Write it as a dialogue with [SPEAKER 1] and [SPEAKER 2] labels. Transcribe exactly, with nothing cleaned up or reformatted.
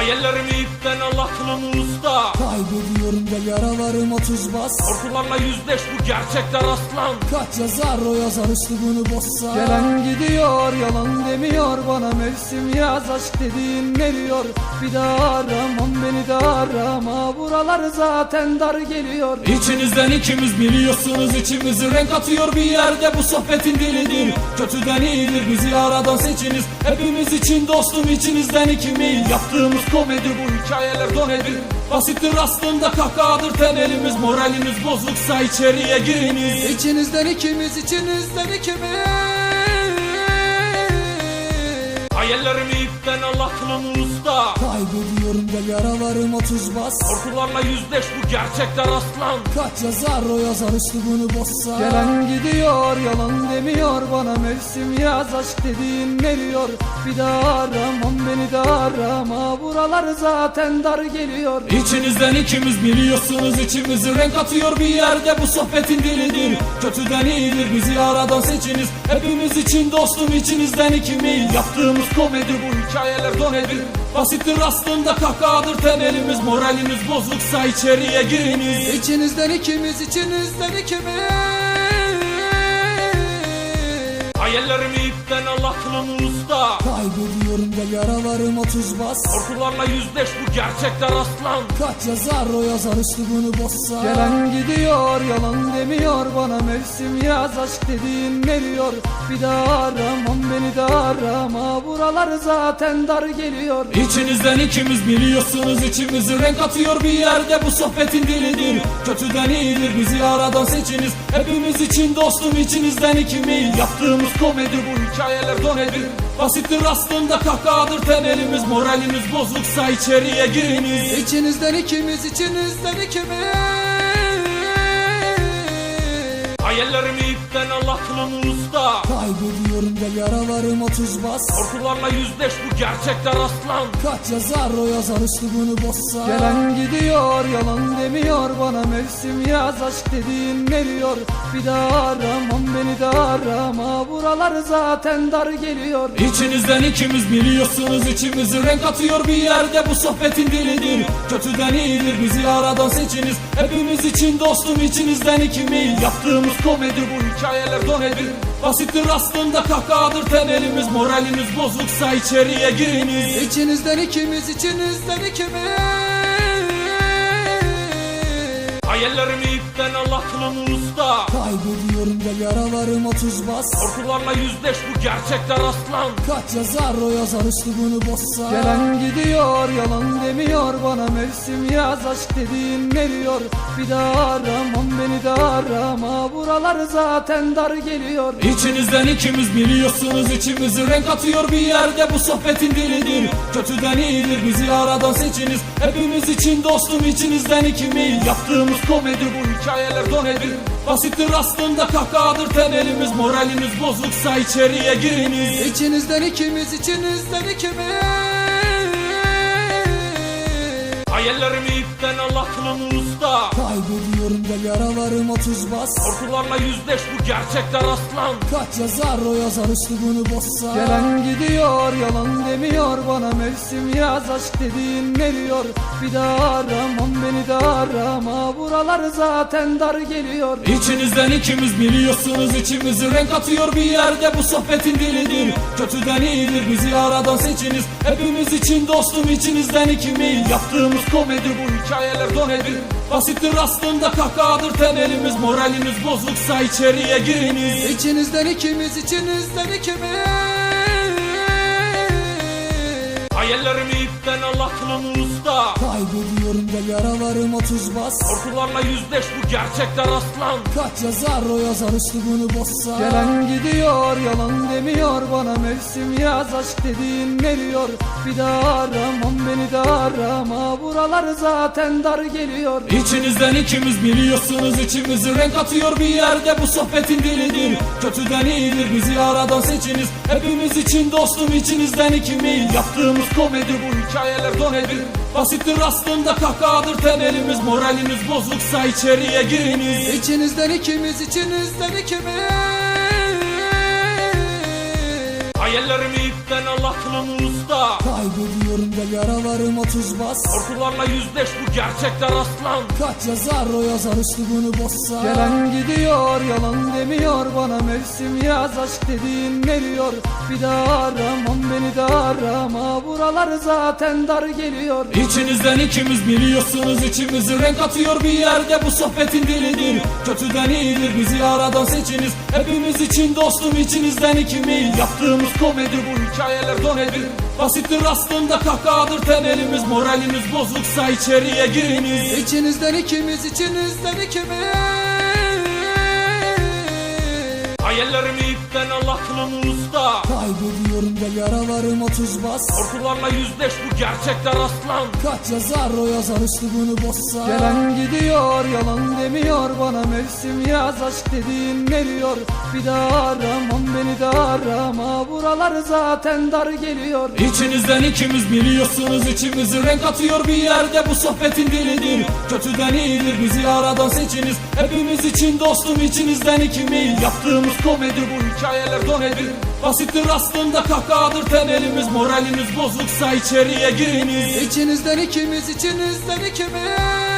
[SPEAKER 1] Hayallerimi ipten Allah kılın usta.
[SPEAKER 2] Kaybediyorum da yaralarım otuz bas.
[SPEAKER 1] Korkularla yüzleş, bu gerçekler aslan.
[SPEAKER 2] Kaç yazar o yazar üslubunu bozsa.
[SPEAKER 3] Gelen gidiyor yalan demiyor bana, mevsim yaz aşk dediğin eriyor. Bir daha aramam, beni de arama, buralar zaten dar geliyor.
[SPEAKER 1] İçinizden ikimiz biliyorsunuz, içimizi renk atıyor bir yerde, bu sohbetin dilidir. Kötüden iyidir, bizi aradan seçiniz. Hepimiz için dostum, içinizden ikimiz. Yaptığımız komedi, bu hikayeler donedir. Basittir aslında, kahkahadır temelimiz. Moraliniz bozuksa içeriye giriniz.
[SPEAKER 2] İçinizden ikimiz, içinizden ikimiz.
[SPEAKER 1] Hayallerimi ipten Allah kılın usta.
[SPEAKER 2] Kaybediyorum da yaralarım otuz bas.
[SPEAKER 1] Korkularla yüzleş, bu gerçekler aslan.
[SPEAKER 2] Kaç yazar o yazar üslubunu bozsa.
[SPEAKER 3] Gelen gidiyor yalan demiyor bana, mevsim yaz aşk dediğin eriyor. Bir daha aramam, beni de arama, buralar zaten dar geliyor.
[SPEAKER 1] İçinizden ikimiz biliyorsunuz, içimizi renk atıyor bir yerde, bu sohbetin dilidir. Kötüden iyidir, bizi aradan seçiniz. Hepimiz için dostum, içinizden ikimiz. Yaptığımız komedi, bu hikayeler donedir. Basittir aslında, kahkahadır temelimiz. Moraliniz bozuksa içeriye giriniz.
[SPEAKER 2] İçinizden ikimiz, içinizden ikimiz.
[SPEAKER 1] Hayallerimi ipten Allah kılın usta.
[SPEAKER 2] Kaybediyorum da yaralarım otuz bas.
[SPEAKER 1] Korkularla yüzleş, bu gerçekler aslan.
[SPEAKER 2] Kaç yazar o yazar üslubunu bozsa.
[SPEAKER 3] Gelen gidiyor yalan demiyor bana, mevsim yaz aşk dediğin eriyor. Bir daha aramam, beni de arama, buralar zaten dar geliyor.
[SPEAKER 1] İçinizden ikimiz biliyorsunuz, içimizi renk atıyor bir yerde, bu sohbetin dilidir. Kötüden iyidir, bizi aradan seçiniz. Hepimiz için dostum, içinizden ikimiz. Yaptığımız komedi, bu hikayeler donedir. Basittir aslında, kahkahadır temelimiz. Moraliniz bozuksa içeriye giriniz.
[SPEAKER 2] İçinizden ikimiz, içinizden ikimiz.
[SPEAKER 1] Hayallerimi ipten Allah kılın usta.
[SPEAKER 2] Kaybediyorum da yaralarım otuz bas.
[SPEAKER 1] Korkularla yüzleş, bu gerçekler aslan.
[SPEAKER 2] Kaç yazar o yazar üslubunu bozsa.
[SPEAKER 3] Gelen gidiyor yalan demiyor bana, mevsim yaz aşk dediğin eriyor. Bir daha aramam, beni de arama, buralar zaten dar geliyor.
[SPEAKER 1] İçinizden ikimiz biliyorsunuz, içimizi renk atıyor bir yerde, bu sohbetin dilidir. Kötüden iyidir, bizi aradan seçiniz. Hepimiz için dostum, içinizden ikimiz. Yaptığımız komedi, bu hikayeler donedir. Basittir aslında, kahkahadır temelimiz. Moraliniz bozuksa içeriye giriniz.
[SPEAKER 2] İçinizden ikimiz, içinizden ikimiz.
[SPEAKER 1] Hayallerimi ipten Allah kılın usta.
[SPEAKER 2] Kaybediyorum da yaralarım otuz bas.
[SPEAKER 1] Korkularla yüzleş, bu gerçekler aslan.
[SPEAKER 2] Kaç yazar o yazar üslubunu bozsa.
[SPEAKER 3] Gelen gidiyor yalan demiyor bana, mevsim yaz aşk dediğin eriyor. Bir daha aramam, beni de arama, buralar zaten dar geliyor.
[SPEAKER 1] İçinizden ikimiz biliyorsunuz, içimizi renk atıyor bir yerde, bu sohbetin dilidir. Kötüden iyidir, bizi aradan seçiniz. Hepimiz için dostum, içinizden ikimiz. Yaptığımız komedi, bu hikayeler donedir. Basittir aslında, kahkahadır temelimiz. Moraliniz bozuksa içeriye giriniz.
[SPEAKER 2] İçinizden ikimiz, içinizden ikimiz.
[SPEAKER 1] Hayallerimi ipten Allah kılın usta.
[SPEAKER 2] Kaybediyorum da yaralarım otuz bas.
[SPEAKER 1] Korkularla yüzleş, bu gerçekler aslan.
[SPEAKER 2] Kaç yazar o yazar üslubunu bozsa.
[SPEAKER 3] Gelen gidiyor yalan demiyor bana, mevsim yaz aşk dediğin eriyor. Bir daha aramam, beni de arama, buralar zaten dar geliyor.
[SPEAKER 1] İçinizden ikimiz biliyorsunuz, içimizi renk atıyor bir yerde, bu sohbetin dilidir. Kötüden iyidir, bizi aradan seçiniz. Hepimiz için dostum, içinizden ikimiz. Yaptığımız komedi, bu hikayeler donedir. Basittir aslında, kahkahadır temelimiz. Moraliniz bozuksa içeriye giriniz.
[SPEAKER 2] İçinizden ikimiz, içinizden ikimiz.
[SPEAKER 1] Hayallerimi ipten Allah kılın usta.
[SPEAKER 2] Kaybediyorum da yaralarım otuz bas.
[SPEAKER 1] Korkularla yüzleş, bu gerçekler aslan.
[SPEAKER 2] Kaç yazar o yazar üslubunu bozsa.
[SPEAKER 3] Gelen gidiyor yalan demiyor bana, mevsim yaz aşk dediğin eriyor. Bir daha aramam, beni de arama, buralar zaten dar geliyor.
[SPEAKER 1] İçinizden ikimiz biliyorsunuz, içimizi renk atıyor bir yerde, bu sohbetin dilidir. Kötüden iyidir, bizi aradan seçiniz. Hepimiz için dostum, içinizden ikimiz. Yaptığımız komedi, bu hikayeler donedir. Basittir aslında, kahkahadır temelimiz. Moraliniz bozuksa içeriye giriniz.
[SPEAKER 2] İçinizden ikimiz, içinizden ikimiz.
[SPEAKER 1] Hayallerimi ipten Allah kılımı usta.
[SPEAKER 2] Kaybediyorum da yaralarım otuz bas.
[SPEAKER 1] Korkularla yüzleş, bu gerçekler aslan.
[SPEAKER 2] Kaç yazar o yazar üslubunu bozsa.
[SPEAKER 3] Gelen gidiyor yalan demiyor bana, mevsim yaz aşk dediğin eriyor. Bir daha aramam, beni de arama, buralar zaten dar geliyor.
[SPEAKER 1] İçinizden ikimiz biliyorsunuz, içimizi renk atıyor bir yerde bu sohbetin dilidir. Kötüden iyidir bizi aradan seçiniz, hepimiz için dostum içinizden ikimiz. Yaptığımız komedi bu hikayeler donedir. Basittir aslında kahkahadır temelimiz, moraliniz bozuksa içeriye giriniz.
[SPEAKER 2] İçinizden ikimiz, içinizden ikimiz.
[SPEAKER 1] Hayallerimi ipten Allah kılımı usta.
[SPEAKER 2] Kaybediyorum da yaralarım otuz bas.
[SPEAKER 1] Korkularla yüzleş, bu gerçekler aslan.
[SPEAKER 2] Kaç yazar o yazar üslubunu bozsa.
[SPEAKER 3] Gelen gidiyor yalan demiyor bana, mevsim yaz aşk dediğin eriyor. Bir daha aramam, beni de arama, buralar zaten dar geliyor.
[SPEAKER 1] İçinizden ikimiz biliyorsunuz, içimizi renk atıyor bir yerde bu sohbetin dilidir. Kötüden iyidir bizi aradan seçiniz, hepimiz için dostum içinizden ikimiz. Yaptığımız komedi bu hikayeler donedir. Basittir aslında kahkahadır temelimiz, moraliniz bozuksa içeriye giriniz.
[SPEAKER 2] İçinizden ikimiz, içinizden ikimiz.